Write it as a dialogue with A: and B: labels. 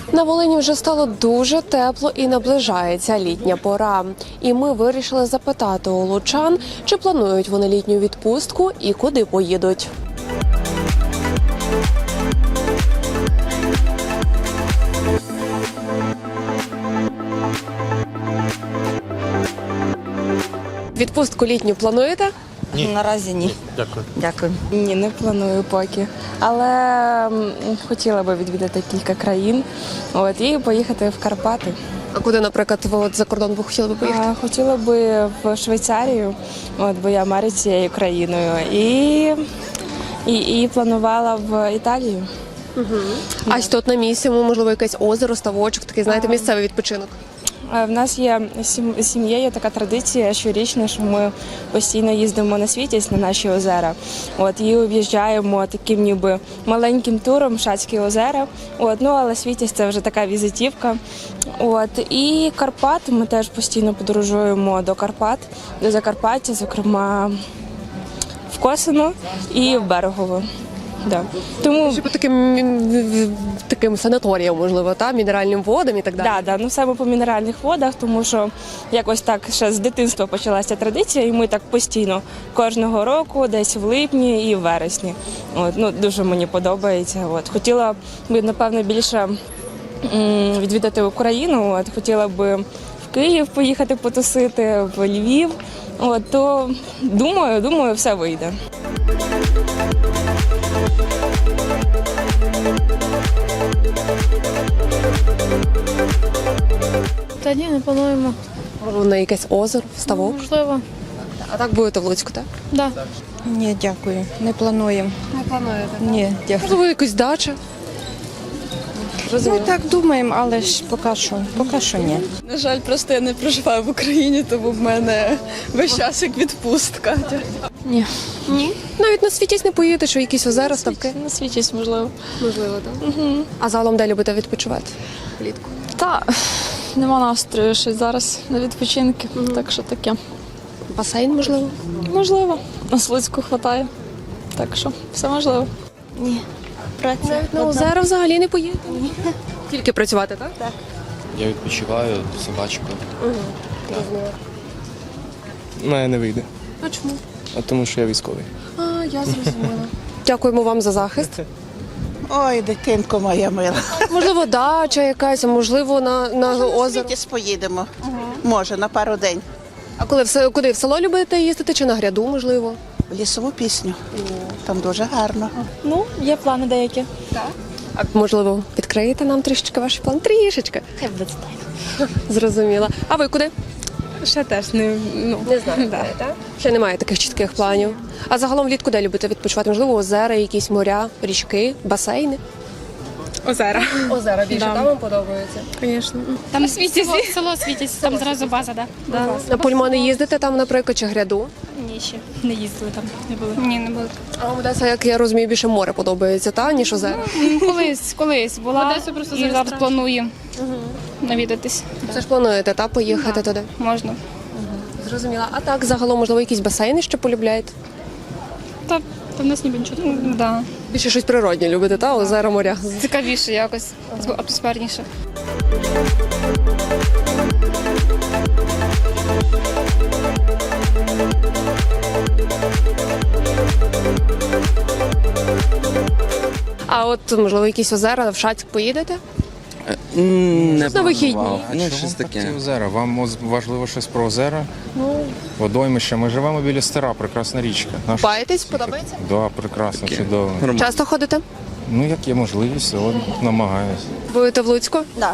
A: На Волині вже стало дуже тепло і наближається літня пора. І ми вирішили запитати у лучан, чи планують вони літню відпустку і куди поїдуть. Відпустку літню плануєте?
B: Ні. Наразі ні.
C: Дякую.
B: Дякую.
D: Ні, не планую поки. Але хотіла би відвідати кілька країн і поїхати в Карпати.
A: А куди, наприклад, ви за кордон ви хотіли би поїхати?
D: Хотіла би в Швейцарію, бо я марю цією країною. І планувала в Італію.
A: А тут на місці, можливо, якесь озеро, ставочок, такий, знаєте, місцевий відпочинок.
D: В нас є з сім'єю така традиція щорічна, що ми постійно їздимо на Світязь, на наші озера. І об'їжджаємо таким ніби маленьким туром Шацькі озера. Але Світязь – це вже така візитівка. І Карпати, ми теж постійно подорожуємо до Карпат, до Закарпаття, зокрема в Косино і в Берегово. Да. Тому
A: Чи по таким санаторіям, можливо, мінеральним водам і так далі?
D: Саме по мінеральних водах, тому що якось так ще з дитинства почалася традиція, і ми так постійно кожного року, десь в липні і в вересні. Дуже мені подобається. Хотіла б, напевно, більше відвідати Україну, хотіла б в Київ поїхати потусити, в Львів. То думаю, все вийде.
E: Та ні, не плануємо.
A: Можливо, на якесь озеро, ставок?
E: Можливо.
A: А так будете в Луцьку, так?
E: Да.
B: Ні, дякую. Не плануємо.
A: Не плануєте?
B: Ні, дякую.
A: Можливо, якусь дача?
B: Ну так думаємо, але ж поки що ні.
F: На жаль, просто я не проживаю в Україні, тому в мене весь час як відпустка.
E: Ні.
A: Ні. Навіть на Світязь не поїдете, що якісь озера, ставки?
F: На світість, можливо.
A: Можливо, так. А загалом де любите відпочивати влітку?
F: Та нема настрою ще зараз на відпочинки, так що таке.
A: Басейн, можливо?
F: Можливо. На Луцьку хватає. Так що все можливо.
A: Навіть на озера взагалі не поїдете? Ні. Тільки працювати, так? Так.
C: Я відпочиваю з собачкою.
G: Не вийде.
A: А чому?
G: Тому що я військовий.
A: Я зрозуміла. Дякуємо вам за захист.
H: Ой, дитинко моя мила.
A: Можливо, дача якась, а можливо, на озеро.
H: Світязь поїдемо. Може, на пару день.
A: А куди? В село любите їздити чи на гряду, можливо?
H: В лісову пісню. Там дуже гарно.
E: Є плани деякі.
A: А можливо, відкриєте нам трішечки ваші плани? Трішечки.
E: Хай буде так.
A: Зрозуміла. А ви куди?
D: Ще теж не
A: знаю. Так? Ще немає таких чітких планів. А загалом влітку де любите відпочивати? Можливо, озера, якісь моря, річки, басейни?
D: озера.
A: Озера більше, там вам подобається?
D: Звісно.
E: Там село Світязь, там зразу база, да?
A: На пульмони їздите там, наприклад, чи гряду?
E: Ні, ще не їздили там, не були. Ні, не були.
A: А вам Одеса, як я розумію, більше море подобається, ніж озера?
E: Колись була і зараз планую навідатись.
A: Це ж плануєте, поїхати туди?
E: Можна.
A: Зрозуміла. А так, загалом, можливо, якісь басейни ще полюбляєте?
E: Та в нас ніби нічого. Да.
A: Більше щось природнє любите, озера, моря?
E: Цікавіше якось, атмосферніше.
A: А от, можливо, якісь озера, в Шацьк поїдете?
G: Не
A: на вихідні.
G: Ну, щось таке. Озера. Вам важливо щось про озера? Водоймище. Ми живемо біля Стара, прекрасна річка.
A: Купаєтесь, подобається?
G: Да, прекрасно, чудово.
A: Часто ходите?
G: Ну, як є можливість, намагаюся.
A: Будете в Луцьку?
B: Да.